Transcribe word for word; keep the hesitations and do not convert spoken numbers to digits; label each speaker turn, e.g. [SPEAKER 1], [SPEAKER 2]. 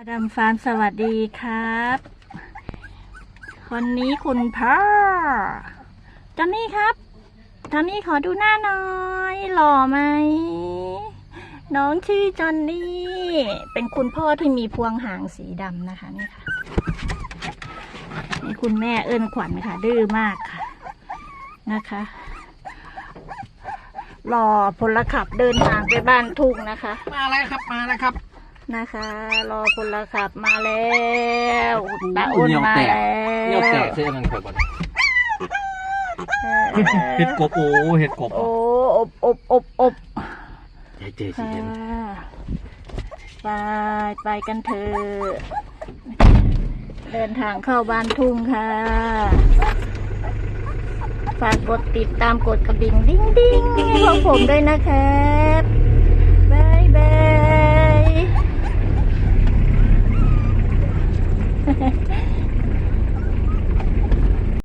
[SPEAKER 1] อดัมฟาร์มสวัสดีครับวันนี้คุณพ่อจอนนี่ครับจอนนี่ขอดูหน้าหน่อยหล่อไหมน้องชื่อจอนนี่เป็นคุณพ่อที่มีพวงหางสีดำนะคะนี่ค่ะนี่คุณแม่เอิ้นขวัญค่ะดื้อมากค่ะนะคะรอพลขับเดินทางไปบ้านทุ่งนะคะ
[SPEAKER 2] มาแล้วครับมาแล้วครับ
[SPEAKER 1] นะคะรอพลขับมาแล้วตาอ้นมาแล้ว
[SPEAKER 2] เนียวแตกเสื้อมันข่อยบอลเห็ดกบโอ้เห็ดกบ
[SPEAKER 1] โอ้อบอบอบอบ
[SPEAKER 2] เจ๊เจ๊สิ
[SPEAKER 1] ไปไปกันเถอะเดินทางเข้าบ้านทุ่งค่ะฝากกดติดตามกดกระดิ่งดิ้งดิ้งให้พวกผมด้วยนะครับบายบาย